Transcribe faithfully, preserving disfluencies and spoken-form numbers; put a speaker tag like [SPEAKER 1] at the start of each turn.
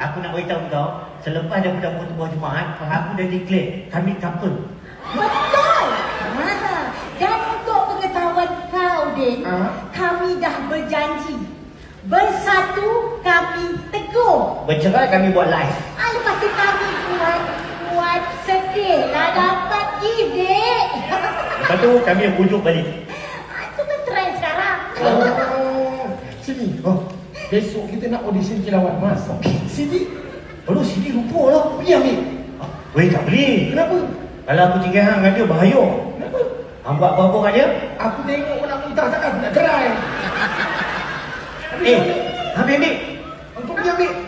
[SPEAKER 1] aku nak beritahu kau, selepas daripada pertemuan Jumaat, aku dah declare kami couple.
[SPEAKER 2] Betul. Ha. Dan untuk pengetahuan kau, Din,
[SPEAKER 3] Ha?
[SPEAKER 2] kami dah berjanji. Bersatu kami teguh.
[SPEAKER 1] Bercerai kami buat live.
[SPEAKER 2] Ah, lepas tu kami buat buat sedih lah dapat gift, Dek.
[SPEAKER 1] Lepas tu kami yang bujuk balik.
[SPEAKER 2] Ah, itu kan trend sekarang.
[SPEAKER 3] Oh, sini. Oh, besok kita nak audition kilauan mas. Sini.
[SPEAKER 1] Aduh, sini lupa lah.
[SPEAKER 3] Pergi ambil.
[SPEAKER 1] Ah, weh, tak boleh.
[SPEAKER 3] Kenapa?
[SPEAKER 1] Kalau aku tinggal hang dengan dia, bahaya.
[SPEAKER 3] Kenapa?
[SPEAKER 1] Hang buat apa-apa kat dia?
[SPEAKER 3] Aku tengok nak muntah takkan aku nak cerai.
[SPEAKER 1] Eh, ambil, ambil.
[SPEAKER 3] Untuk pergi ambil.